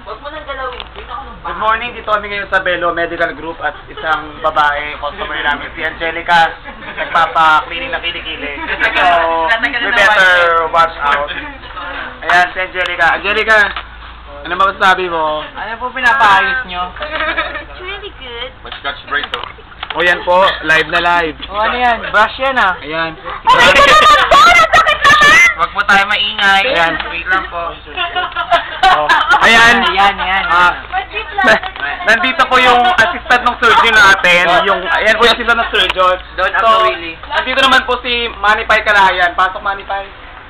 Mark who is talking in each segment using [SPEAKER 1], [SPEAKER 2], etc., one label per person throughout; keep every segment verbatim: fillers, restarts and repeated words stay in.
[SPEAKER 1] Huwag mo nang galawin.
[SPEAKER 2] Good morning, dito kami ngayon sa Belo Medical Group at isang babae, customer namin, si Angelica, nagpapa-cleaning na kilikili. So, we better watch out. Ayan, si Angelica. Angelica, ano masasabi mo?
[SPEAKER 1] Ano po pinapaayos nyo?
[SPEAKER 3] It's really good.
[SPEAKER 4] Mag-scotch break to.
[SPEAKER 2] O yan po, live na live.
[SPEAKER 1] O ano yan? Brush yan ah.
[SPEAKER 2] Ayan.
[SPEAKER 3] Oh my God, naman po! Nasakit naman!
[SPEAKER 1] Huwag po tayo maingay.
[SPEAKER 2] Ayan.
[SPEAKER 1] Wait lang po.
[SPEAKER 2] Oh, ayan.
[SPEAKER 1] Ayan, yan.
[SPEAKER 2] Ah, na- nandito po yung assistant ng surgeon natin. Yung, ayan po yung assistant ng surgeon.
[SPEAKER 1] Don't
[SPEAKER 2] So,
[SPEAKER 1] ako, Willie.
[SPEAKER 2] nandito naman po si Manipay Kalayan. Pasok, Manipay.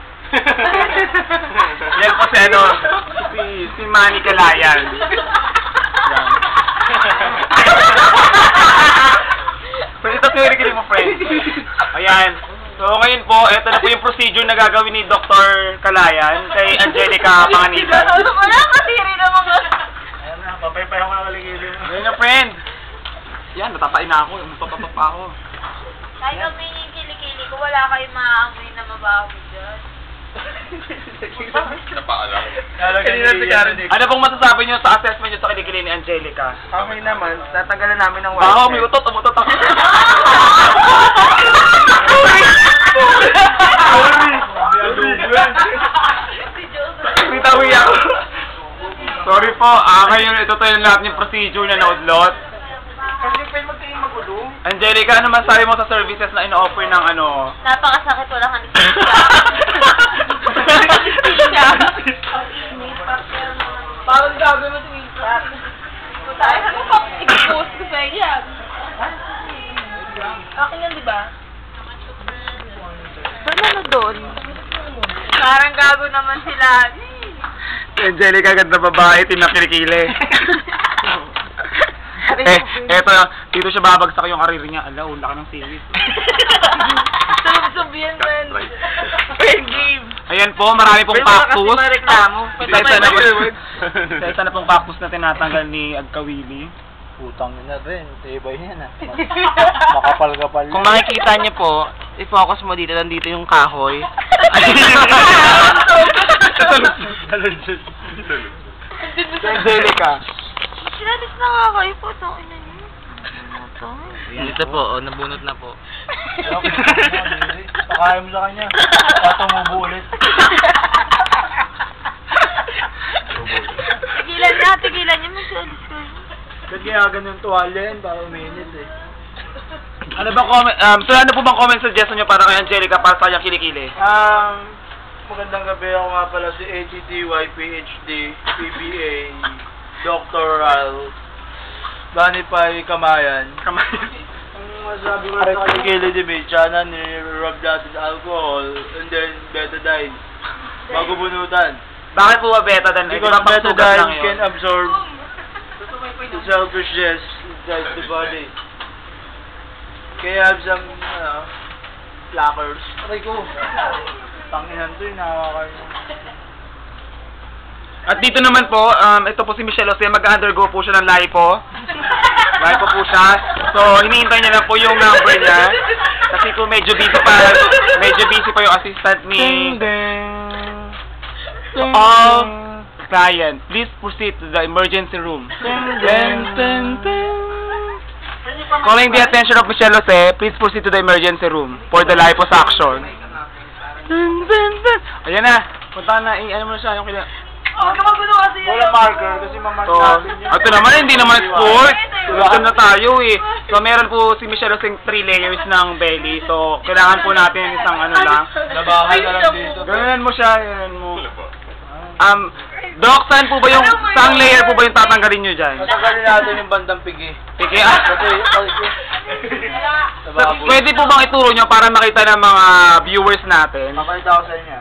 [SPEAKER 2] Yan po si ano, si, si Manny Kalayan. Yan. So, ito po yung mo, friend. Ayan. So, ngayon po, ito na po yung procedure na gagawin ni Doctor Kalayan kay Angelica Panganiban.
[SPEAKER 3] Wala kasiri na mga...
[SPEAKER 2] Ayan na, papaypay ako ng kaligilin. Ayan na, friend. Yan, natapain na ako. Mapapapa ako.
[SPEAKER 3] Kahit kami yung kilikili ko, wala kayong maaamoy na mabaho dyan.
[SPEAKER 4] Napaalam.
[SPEAKER 2] Ano pong masasabi niyo sa assessment niyo sa kilikili ni Angelica?
[SPEAKER 1] Okay naman. Tatanggalan namin ng
[SPEAKER 2] Baho, may utot, umutot ako. Bitawi ako. Sorry po, ah, ngayon ito tayo lahat yung procedure na naudlot.
[SPEAKER 1] Kasi pwede magtingin magulo.
[SPEAKER 2] Angelica, ano masasabi mo sa services na ino-offer ng ano?
[SPEAKER 3] Napakasakit, wala kang
[SPEAKER 1] Parang gagawin mo tingin sa
[SPEAKER 3] Tayo, ano pa? I-post ko sa iya. Akin yan, di ba? Saan ano doon? Parang gago naman sila.
[SPEAKER 2] Angelica, ganda babae, tinakilikili. eh, eto, dito siya babagsak yung karir niya. Ala, ula ka ng series.
[SPEAKER 3] Sub-subyan mo yan. Game.
[SPEAKER 2] Ayan po, marami pong cactus.
[SPEAKER 1] Kasi mareklamo.
[SPEAKER 2] Isa-isa na, isa na pong cactus na tinatanggal ni Agkawili.
[SPEAKER 5] Putang na rin, tibay yan ah. Makapal-kapal.
[SPEAKER 1] Kung makikita niyo po, i-focus mo dito, nandito yung kahoy.
[SPEAKER 2] Angelica.
[SPEAKER 3] Sinadis na nga kayo po. Tangin na niyo.
[SPEAKER 1] Dito po, oh, nabunot na po.
[SPEAKER 5] Pakaya mo sa kanya. Patumubo ulit.
[SPEAKER 3] Tigilan niya, tigilan niya. Magsadis ko.
[SPEAKER 5] Ba't kaya ganun tuwalya yan? Para uminit eh.
[SPEAKER 2] Ano bang comment, um, so ano po bang comment suggestion niyo para kay Angelica para sa kanyang kilikili?
[SPEAKER 5] Um, magandang gabi. Ako nga pala si A T D Y P H D P B A Doctoral Banipay Kamayan.
[SPEAKER 2] Kamayan.
[SPEAKER 5] Ang masabi ko sa kilikili di Bichana, nirurub natin sa alcohol and then betadine. Bago bunutan.
[SPEAKER 2] Bakit po ba beta dan?
[SPEAKER 5] Because betadine can
[SPEAKER 2] yun.
[SPEAKER 5] absorb the selfishness inside the body. Kaya have some, uh, plackers. Aray ko. Tanginan to yung nakakakaroon.
[SPEAKER 2] At dito naman po, um, ito po si Michelle Jose, mag-undergo po siya ng lipo. Lipo po siya. So, hinihintay niya lang po yung number niya. Kasi kung medyo busy pa, medyo busy pa yung assistant ni... To all client, please proceed to the emergency room. Calling the attention of Michelle Jose, please proceed to the emergency room for the liposuction. Ayan na, punta na, i-ano mo na siya yung kila...
[SPEAKER 3] Huwag ka magulo kasi yun.
[SPEAKER 5] Wala marker kasi mamark
[SPEAKER 2] So,
[SPEAKER 5] natin yan.
[SPEAKER 2] ito naman, hindi naman sport. Gusto na tayo eh. So, meron po si Michelle Jose three layers ng belly. So, kailangan po natin isang ano lang.
[SPEAKER 5] Labahan na lang dito.
[SPEAKER 2] Ganunan mo siya, ganunan mo. Um, Doc, saan po ba yung, saang layer po ba yung tatanggalin nyo dyan?
[SPEAKER 5] Tatanggalin natin yung bandang pigi.
[SPEAKER 2] Piki, ah.
[SPEAKER 5] Kasi, kasi,
[SPEAKER 2] So, pwede po bang ituro nyo para makita ng mga viewers natin?
[SPEAKER 5] Makita ko sa inyo.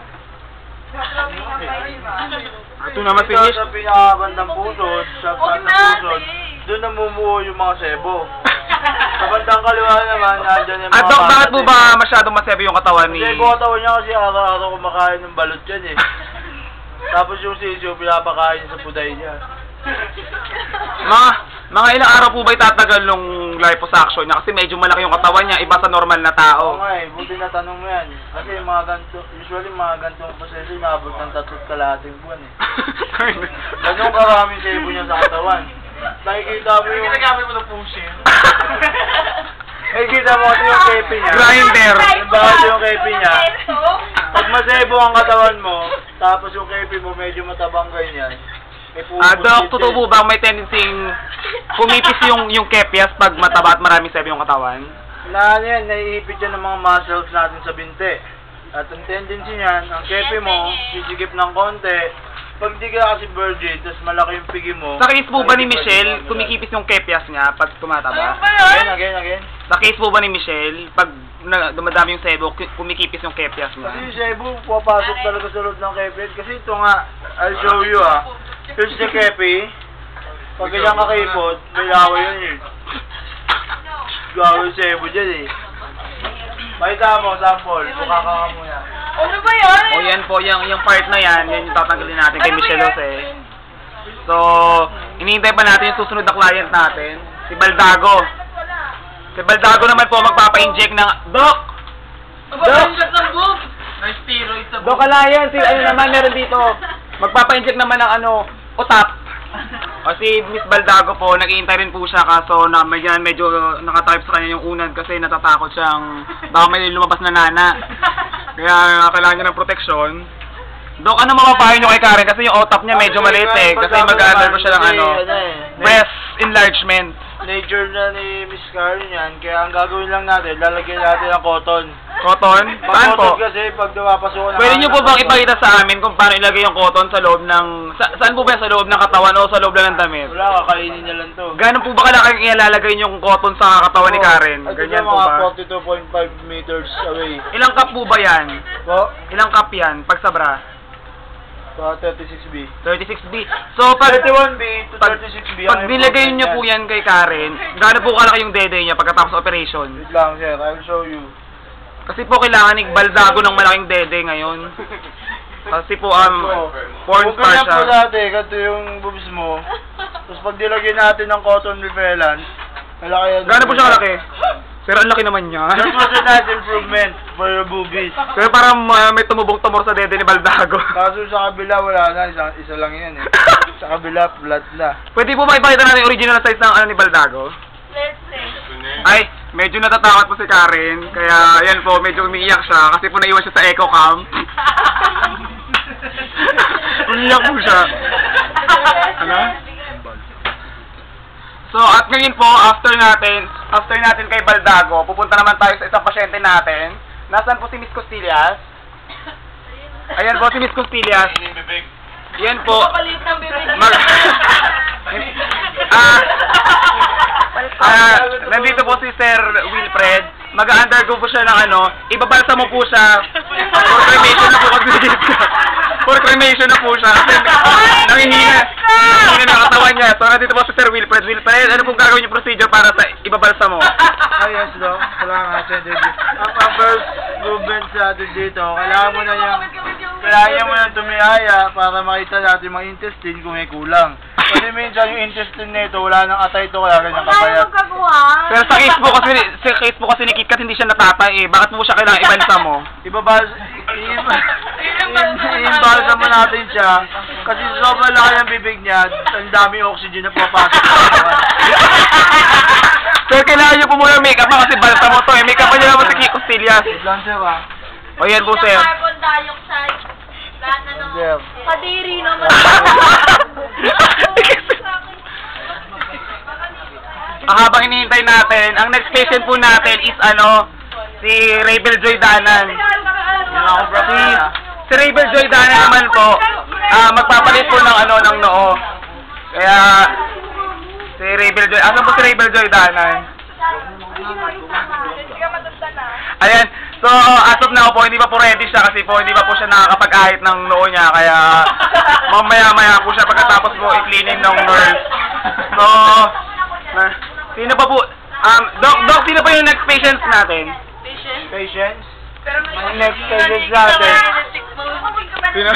[SPEAKER 2] Ito naman
[SPEAKER 5] Ito
[SPEAKER 2] finish.
[SPEAKER 5] sa pinakabandang pusod, sa taas ng pusod, doon namumuo yung mga sebo. Sa bandang kaliwa naman, nandyan yung mga...
[SPEAKER 2] At Doc, bakit po
[SPEAKER 5] sebo.
[SPEAKER 2] ba masyadong masebe yung katawan ni...
[SPEAKER 5] Kasi katawan niya kasi araw-araw kumakain ng balot yan eh. Tapos yung sisyo, pinapakain sa puday niya.
[SPEAKER 2] Mga, mga ilang araw po ba itatagal nung yung liposuction niya kasi medyo malaki yung katawan niya, iba sa normal na
[SPEAKER 5] Oo
[SPEAKER 2] tao.
[SPEAKER 5] nga eh, buti na tanong mo yan. Kasi yung mga ganito, usually mga ganitong proseso, inaabot ng tatlong kalahating buwan eh. Ganun karaming sebo niya sa katawan. Nakikita mo yung...
[SPEAKER 1] Ginagamit mo ng pushin.
[SPEAKER 5] Nakikita mo kasi yung kepi niya.
[SPEAKER 2] Grinder.
[SPEAKER 5] Yung bawal yung kepi niya. Pag masebo ang katawan mo, tapos yung kepi mo medyo matabang ganyan. may
[SPEAKER 2] Ah, Doc,
[SPEAKER 5] pupuslit
[SPEAKER 2] totoo
[SPEAKER 5] eh.
[SPEAKER 2] po ba may tendency pumipis yung yung kepias pag mataba at maraming sebo yung katawan?
[SPEAKER 5] Na ano yan, naiipit yan ng mga muscles natin sa binte. At ang tendency niyan, ang kepi mo, sisigip ng konti. Pag di ka kasi virgin, tapos malaki yung pigi mo.
[SPEAKER 2] Sa case po ba ni
[SPEAKER 5] nakikipag-
[SPEAKER 2] Michelle, kumikipis yung kepias niya pag tumataba?
[SPEAKER 5] Again, again, again.
[SPEAKER 2] Sa case po ba ni Michelle, pag na, dumadami yung sebo, ki- kumikipis yung kepias
[SPEAKER 5] Kasi
[SPEAKER 2] niya?
[SPEAKER 5] yung sebo, pupasok talaga sa loob ng kepi. Kasi ito nga, I'll show you ah. Here's the kepi. Pag ganyan kakipot, may laway yun eh. Gawa yung sebo dyan eh. Makita mo, sample. Mukha ka ka muna.
[SPEAKER 3] Ano ba yan?
[SPEAKER 2] O yan po, yung, yung part na yan, yan yung tatanggalin natin kay
[SPEAKER 3] Ano ba
[SPEAKER 2] Michelle
[SPEAKER 3] yan?
[SPEAKER 2] Jose. So, hinihintay pa natin yung susunod na client natin, si Baldago. Si Baldago naman po magpapa-inject ng... Doc! Doc!
[SPEAKER 1] ng boob! Nice steroid sa
[SPEAKER 2] Doc Alayan, si ano naman meron dito. Magpapa-inject naman ng ano, utap. O si Miss Baldago po, nag-iintay rin po siya kaso na medyo, medyo nakatype sa kanya yung unan kasi natatakot siyang baka may lumabas na nana. Kaya kailangan niya ng proteksyon. Dok, ano mapapayo niyo kay Karen? Kasi yung utap niya medyo maliit eh. Kasi mag-undergo siya ng ano, breast enlargement.
[SPEAKER 5] Nature na ni Miss Karen yan, kaya ang gagawin lang natin, lalagyan natin ng cotton.
[SPEAKER 2] Cotton? Saan po?
[SPEAKER 5] Cotton kasi pag nawapasukan ng
[SPEAKER 2] Pwede niyo po bang
[SPEAKER 5] cotton.
[SPEAKER 2] ipakita sa amin kung paano ilagay yung cotton sa loob ng... Sa, saan po ba yan? Sa loob ng katawan o sa loob lang ng damit?
[SPEAKER 5] Wala, kakainin niya lang to.
[SPEAKER 2] Gano'n po ba kalaki yung ilalagay niyo yung cotton sa katawan ni Karen?
[SPEAKER 5] At
[SPEAKER 2] Ganyan
[SPEAKER 5] ito
[SPEAKER 2] po
[SPEAKER 5] mga
[SPEAKER 2] ba?
[SPEAKER 5] forty-two point five meters away.
[SPEAKER 2] Ilang cup po ba yan?
[SPEAKER 5] Po?
[SPEAKER 2] Ilang cup yan pag sa bra?
[SPEAKER 5] So, thirty-six B.
[SPEAKER 2] thirty-six B. So, pag...
[SPEAKER 5] thirty-one B to
[SPEAKER 2] Pag,
[SPEAKER 5] thirty-six B.
[SPEAKER 2] pag nilagay niyo po yan kay Karen, gaano po kalaki yung dede niya pagkatapos operation?
[SPEAKER 5] Wait lang, sir. I'll show you.
[SPEAKER 2] Kasi po kailangan ni Baldago ng malaking dede ngayon. Kasi po, um, porn
[SPEAKER 5] Kung
[SPEAKER 2] star
[SPEAKER 5] kanya po
[SPEAKER 2] siya.
[SPEAKER 5] dati, ganito yung boobs mo. Tapos pag nilagyan natin ng cotton repellent, malaki yan.
[SPEAKER 2] Gaano po siya kalaki? Pero ang laki naman niya.
[SPEAKER 5] That was a nice improvement for your boobies.
[SPEAKER 2] Pero parang uh, may tumubong tumor sa dede ni Baldago.
[SPEAKER 5] Kaso sa kabila, wala na. Isa, isa lang yan eh. Sa kabila, flat na.
[SPEAKER 2] Pwede po ba ipakita natin yung original size ng ano ni Baldago?
[SPEAKER 3] Let's see.
[SPEAKER 2] Ay, medyo natatakot po si Karen. Kaya, yan po, medyo umiiyak siya. Kasi po naiwan siya sa echo cam. Umiiyak po siya. Ano? So, at ngayon po, after natin, after natin kay Baldago, pupunta naman tayo sa isang pasyente natin. Nasaan po si Miss Costillas? Ayan po si Miss Costillas. Yan po.
[SPEAKER 3] Palit ng bibig.
[SPEAKER 2] Mag... ah, ah, nandito po si Sir Wilfred. Mag-undergo po siya ng ano, ibabalsa mo po siya. For cremation na po kasi For cremation na po siya. Kasi nangihina. Nangihina na katawan niya. So nandito po si Sir Wilfred. Wilfred, ano pong gagawin yung procedure para sa ibabalsa mo?
[SPEAKER 5] Ah, yes, Doc. Salamat, Sir David. Ang ang first movement sa atin dito, kailangan mo na yung... Kailangan mo na tumihaya para makita natin mga intestine kung may kulang. Kasi minsan yung intestine nito, wala nang atay ito, kaya ganyan
[SPEAKER 3] Tayo
[SPEAKER 5] kapayat.
[SPEAKER 3] magkagawa.
[SPEAKER 2] Pero sa case po kasi, sa case po kasi ni Kit Kat hindi siya natatay eh. Bakit mo siya kailangan ibalsa mo?
[SPEAKER 5] Ibabas, i-imbalsa mo natin siya kasi sobrang laki ng bibig niya, ang dami oxygen na pumapasok sa katawan.
[SPEAKER 2] Sir, kailangan niyo po muna make-up mo kasi balsa mo to eh. Make-up pa niyo naman si Kit Costillas.
[SPEAKER 5] Wait lang, sir, ah.
[SPEAKER 2] O yan po, sir.
[SPEAKER 3] Carbon dioxide. Lahat na nung...
[SPEAKER 5] Sir.
[SPEAKER 3] Kadiri naman.
[SPEAKER 2] Ah, habang hinihintay natin, ang next patient po natin is ano, si Rabel Joy Danan. Si, si Rabel Joy Danan naman po, ah, magpapalit po ng ano, ng noo. Kaya, si Rabel Joy, asan po si Rabel Joy Danan? Ayan, so as of now po, hindi pa po ready siya kasi po hindi pa po siya nakakapag-ahit ng noo niya. Kaya, mamaya-maya po siya pagkatapos po i-cleaning ng nurse. So, na, sino pa po? Um, Doc, Doc, sino pa yung next patients natin?
[SPEAKER 5] Patience?
[SPEAKER 3] Pero
[SPEAKER 5] Ang next patients natin.
[SPEAKER 2] Sino?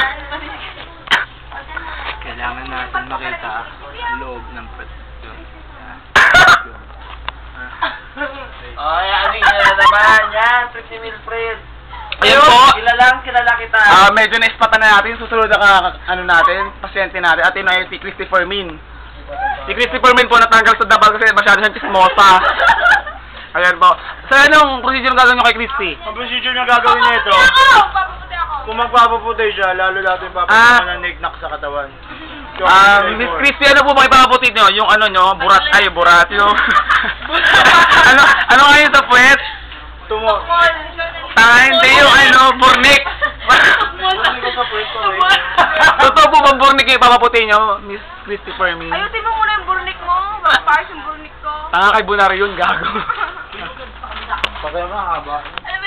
[SPEAKER 5] Kailangan natin makita ang loob ng pet. Ay, ano yun na naman? Yan, Pretty Wilfred.
[SPEAKER 1] Ayun po.
[SPEAKER 5] Kilalang kilala kita.
[SPEAKER 2] Ah, medyo na-spatan na natin. Susunod na ka, ano natin, pasyente natin. At yun ay si Christopher Min. Si Christopher Min po natanggal sa dabal kasi masyado siyang chismosa. Ayan po. So, anong procedure gagawin nyo kay Christy?
[SPEAKER 5] Ang procedure na gagawin niya ito,
[SPEAKER 3] Ako! Papaputi ako.
[SPEAKER 5] kung magpapaputi siya, lalo natin
[SPEAKER 2] Ah.
[SPEAKER 5] papaputi ng nignak sa katawan. So,
[SPEAKER 2] Ah,
[SPEAKER 5] okay,
[SPEAKER 2] Miss
[SPEAKER 5] more.
[SPEAKER 2] Christy, ano po ba ipapaputi nyo? Yung ano nyo, burat, ay, burat, yung... ano, ano nga yun sa puwet?
[SPEAKER 5] Tumo.
[SPEAKER 3] Mall.
[SPEAKER 2] Ah, hindi yung ano, burnik.
[SPEAKER 5] Ano ko sa pwesto eh?
[SPEAKER 2] Totoo po bang burnik yung ipapaputi nyo, Miss Christopher Min?
[SPEAKER 3] Ayutin mo muna yung burnik mo. Bakit pares yung burnik ko?
[SPEAKER 2] Tanga kay Bunari yun, gago.
[SPEAKER 5] Bakit mahaba?